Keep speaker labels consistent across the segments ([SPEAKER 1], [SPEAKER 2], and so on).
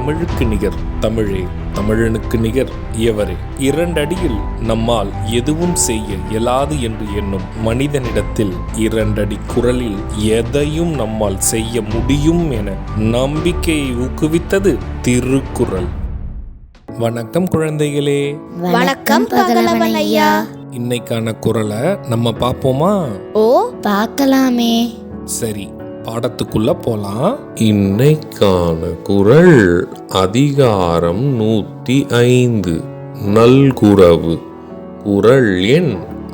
[SPEAKER 1] தமிழுக்கு நிகர் தமிழே, தமிழனுக்கு நிகர் எவரே. 2 அடியில் நம்மால் எதுவும் செய்ய இயலாது என்று எண்ணும் மனிதனிடத்தில் 2 அடி குரலில் எதையும் நம்மால் செய்ய முடியும் என நம்பிக்கையை ஊக்குவித்தது திருக்குறள். வணக்கம் குழந்தைகளே.
[SPEAKER 2] வணக்கம் பகலவன் ஐயா.
[SPEAKER 1] இன்னைக்கான குறளை நம்ம பார்ப்போமா?
[SPEAKER 2] ஓ, பார்க்கலாமே.
[SPEAKER 1] சரி, பாடத்துக்குள்ள போலாம். இன்னைக்கான குறள் அதிகாரம் 105 நல்குரவு. குறள் எண்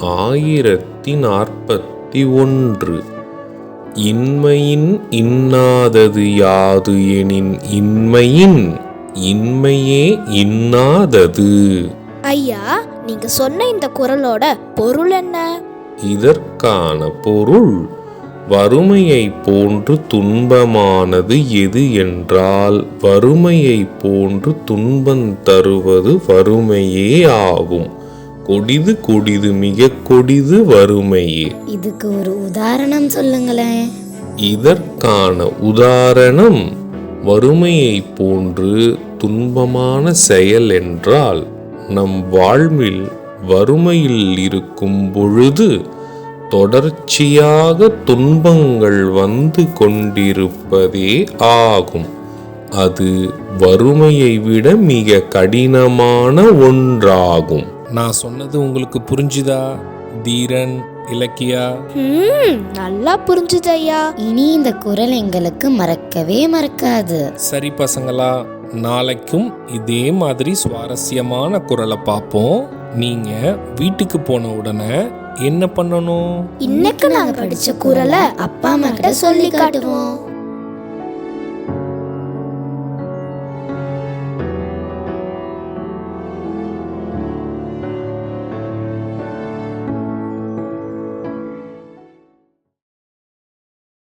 [SPEAKER 1] 1041. இன்மையின் இன்னாதது யாது எனின் இன்மையின் இன்மையே இன்னாதது.
[SPEAKER 2] ஐயா, நீங்க சொன்ன இந்த குறளோட பொருள் என்ன?
[SPEAKER 1] இதற்கான பொருள், வறுமையை போன்று துன்பமானது எது என்றால் வறுமையை போன்று துன்பம் தருவது வறுமையே ஆகும். கொடிது கொடிது மிக கொடிது வறுமையே.
[SPEAKER 2] இதுக்கு ஒரு உதாரணம் சொல்லுங்களேன்.
[SPEAKER 1] இதற்கான உதாரணம், வறுமையை போன்று துன்பமான செயல் என்றால் நம் வாழ்வில் வறுமையில் இருக்கும் பொழுது தொடர்ச்சியாக துன்பங்கள் வந்து கொண்டிருப்பதே ஆகும். அது வறுமையை விட மிக கடினமான ஒன்றாகும். நான் சொன்னது உங்களுக்கு புரிஞ்சுதா தீரன், இலக்கியா?
[SPEAKER 2] நல்லா புரிஞ்சுது ஐயா. இனி இந்த குறள் எங்களுக்கு மறக்கவே மறக்காது.
[SPEAKER 1] சரி பசங்களா, நாளைக்கும் இதே மாதிரி சுவாரஸ்யமான குறளை பார்ப்போம். நீங்க வீட்டுக்கு போன உடனே என்ன பண்ணணும்?
[SPEAKER 2] இன்னைக்கு நாங்க படிச்ச குறளை அப்பா அம்மா கிட்ட சொல்லி காட்டுவோம்.